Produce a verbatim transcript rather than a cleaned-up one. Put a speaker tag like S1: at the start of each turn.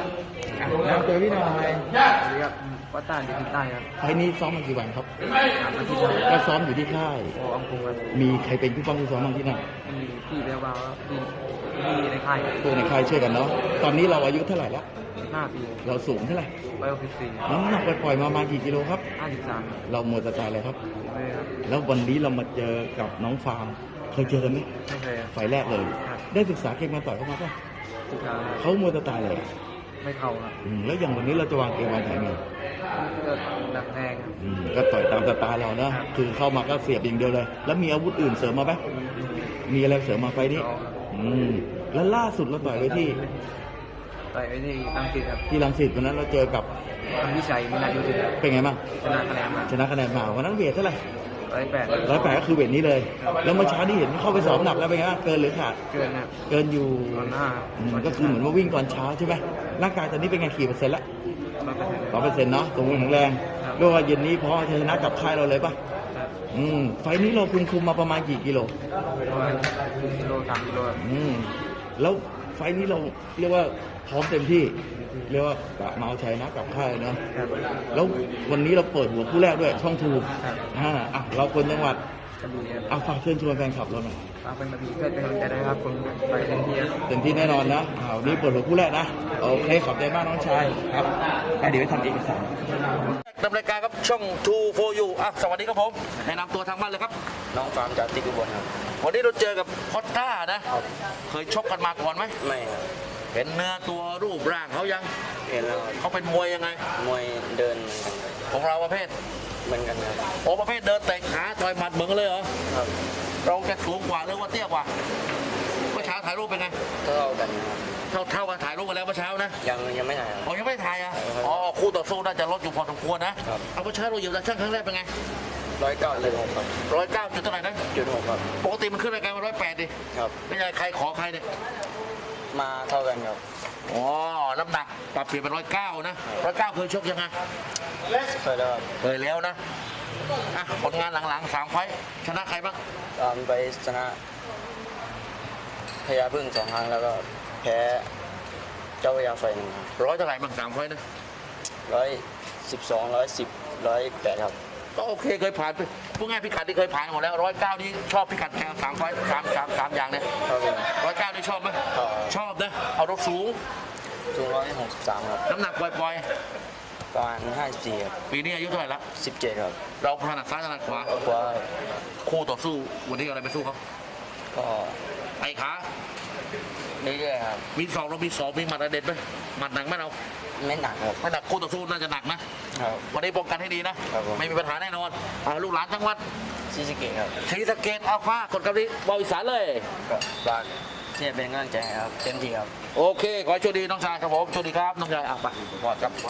S1: แล้วเจอพี่หน่อย
S2: สวัสดีครับวัดใต้อยู่ที่ใต้ครับ
S1: ไฟล์นี้ซ้อมมากี่วันครับ
S2: สามอาทิตย์ครับ
S1: ก็ซ้อมอยู่ที่ค่าย
S2: โอ้อังคุงครับ
S1: มีใครเป็นผู้ป้องผู้ซ้อมบ้างที่นั่น
S2: มีพี่เบลบาวครับพี่พี่ในค่าย
S1: ตัวในค่ายช่วยกันเนาะตอนนี้เราอายุเท่าไหร่แล้ว
S2: ห้าปี
S1: เราสูงเท่าไหร่
S2: ร้อยหกสิบสี่
S1: น้ำหนักปล่อยๆมาประมาณกี่กิโลครับ
S2: ห้าสิบสาม
S1: เราหมดสไตล์เลยครับ
S2: เลยครับ
S1: แล้ววันนี้เรามาเจอกับน้องฟาร์มเคยเจอกันไหม
S2: ไม่เคยครับ
S1: ไฟล์แรกเลย
S2: ครับ
S1: ได้ศึกษาเกมมาต่อยเข้ามาป่ะ
S2: สุดท้าย
S1: เขาหมดสไตล์เลย
S2: ไม่เข้าครับ
S1: อืมแล้วอย่างวันนี้เราจะวางเกมวางแผนไง
S2: ก็ดักแทงครับ
S1: อืมก็ต่อยตามสไตล์เรานะคือเข้ามาก็เสียบอย่างเดียวเลย แล้วมีอาวุธอื่นเสริมมาไหมมีอะไรเสริมมาไฟล์นี้
S2: สองครับ
S1: อืมแล้วล่าสุดเราต่อยไว้ที่
S2: ต่อยไว้ที่ตั้งติดครับ
S1: ที่รังสิตวันนั้นเราเจอกับ
S2: ทำวิชัยมินายุทธครับ
S1: เป็นไงบ้าง
S2: ชนะคะแนนมา
S1: ชนะคะแนนมาวันนั้นเวทเท่าไหร่
S2: ร้อยแปด
S1: ร้อยแปดก็คือเวทนี้เลย แล้วเมื่อเช้าที่เห็นเข้าไปสอบหนักแล้วเป็นไงบ้างเกินหรือขาด
S2: เกินครับ
S1: เกินอยู่
S2: ตอนหน้า
S1: อืมก็คือเหมือนว่าวิ่งก่อนเช้าใช่ไหมร่างกายตอนนี้เป็นไงกี่เปอร์เซ็นต์ละ
S2: ร้อยเปอร์เซ็นต์
S1: ร้อยเปอร์เซ็นต์เนาะตรงแข็งแรง
S2: ครับ
S1: เรียกว่าเย็นนี้พอชนะกับค่ายเราเลยปะ
S2: ครับ
S1: อืมไฟล์นี้เราคุมคุมมาประมาณกี่กิโล
S2: ประมาณกิโลสามกิโลครับ
S1: อืมแล้วไฟล์นี้เราเรียกว่าพร้อมเต็มที่ เรียกว่ากะมาเอาชัยนะกับค่ายเนาะ
S2: ครับ
S1: แล้ววันนี้เราเปิดหัวคู่แรกด้วยช่องทู
S2: ครับ
S1: อ่าอ่ะเราคนจังหวัด
S2: กระบี่ครับ
S1: เอาฝากเชิญชวนแฟนคลับเราหน่อย
S2: ฝากเป็นกระบี่เพื่อเป็นกำลังใจด้วยครับผมไปเต็มที่ครับ
S1: เต็มที่แน่นอนนะอ่าวันนี้เปิดหัวคู่แรกนะโอเคขอบใจมากน้องชายครับไปเดี๋ยวไปทำเอกสาร
S3: ดำเนินการครับช่อง ทู โฟร์ ยู อ่ะสวัสดีครับผมแนะนำตัวทางบ้านเลยครับ
S2: น้องฟาร์มจากติกุบลครับ
S3: วันนี้เราเจอกับพอตต้านะ เคยชกกันมาก่อนไหม
S2: ไม่ครับ
S3: เห็นเนื้อตัวรูปร่างเขายัง
S2: เห็นแล้ว
S3: เขาเป็นมวยยังไง
S2: มวยเดิน
S3: ของเราประเภท
S2: เหมือนกันครับ
S3: โอประเภทเดินเตะขาต่อยหมัดเหมือนกันเลยเหรอ
S2: ครับ
S3: เราจะสูงกว่าหรือว่าเตี้ยกว่าเมื่อเช้าถ่ายรูปเป็นไง
S2: เท่ากันครับ
S3: เท่าเท่ากันถ่ายรูปกันแล้วเมื่อเช้านะ
S2: ยังยังไม่ถ่ายครับ
S3: อ๋อยังไม่ถ่ายอ่ะอ๋อคู่ต่อสู้น่าจะลดอยู่พอสมควรนะครับ เอาเมื่อเช้าเราเหยียบตาช่างครั้งแรกเป็นไง
S2: ร้อยเก้าเลยครับ
S3: ร้อยเก้าจุดเท่าไหร่นะ
S2: จุดหกครับ
S3: ปกติมันขึ้นรายการมาร้อยแปดดิ
S2: ครับ
S3: ไม่ใช่ใครขอใครเนี่ย
S2: มาเท่ากันครับ
S3: อ๋อ น้ำหนักปรับเปลี่ยนเป็นร้อยเก้านะร้อยเก้าเคยชกยังไง
S2: เคยแล้วครับ
S3: เคยแล้วนะ อ่ะ ผลงานหลังๆสามไฟต์ชนะใครบ้าง
S2: ตามไปชนะพญาพึ่งสองครั้งแล้วก็แพ้เจ้าพญาไฟหนึ่งครับ
S3: ร้อยเท่าไหร่บ้างสามไฟต์นะ
S2: ร้อยสิบสองร้อยสิบร้อยแปดครับ
S3: ก็โอเคเคยผ่านไปพูดง่ายพิกัดที่เคยผ่านหมดแล้วร้อยเก้านี่ชอบพิกัดแข่งสามไฟต์สามสามสามอย่างเนี่ย
S2: ครับผม
S3: ร้อยเก้านี่ชอบไหม
S2: ชอบ
S3: ชอบนะ เอารถสูง
S2: สูงร้อยหกสิบสามครับ
S3: น้ำหนักปล่อย
S2: ประมาณห้าสิบสี่ครับ
S3: ๆ ปีนี้อายุเท่าไหร่ละ
S2: สิบเจ็ดครับ
S3: เราถนัดซ้ายถนัดขวา
S2: กว่า
S3: คู่ต่อสู้วันนี้เอาอะไรไปสู้เขา
S2: ก็
S3: ไอ้ขา
S2: เรื่อยๆครับ
S3: มีสองเรามีสองมีหมัดระเด็ดไหมหมัดหนักไหมเรา
S2: ไม่หนักครับ
S3: ถ้าหนักคู่ต่อสู้น่าจะหนักนะ
S2: ครับ
S3: วันนี้ป้องกันให้ดีนะ
S2: ครับผม
S3: ไม่มีปัญหาแน่นอนอ่าลูกหลานจังหวัด
S2: ซีสะเกตครับ
S3: ศรีสะเกษอัลฟากดกำลังบอลอีสานเลย
S2: ก็ฝากเชียร์เป็นกำลังใจให้ครับเต็มที่ครับ
S3: โอเค ขอให้โชคดีน้องชายครับผมโชคดีครับ น้องชายอ่ะไปพอดครับ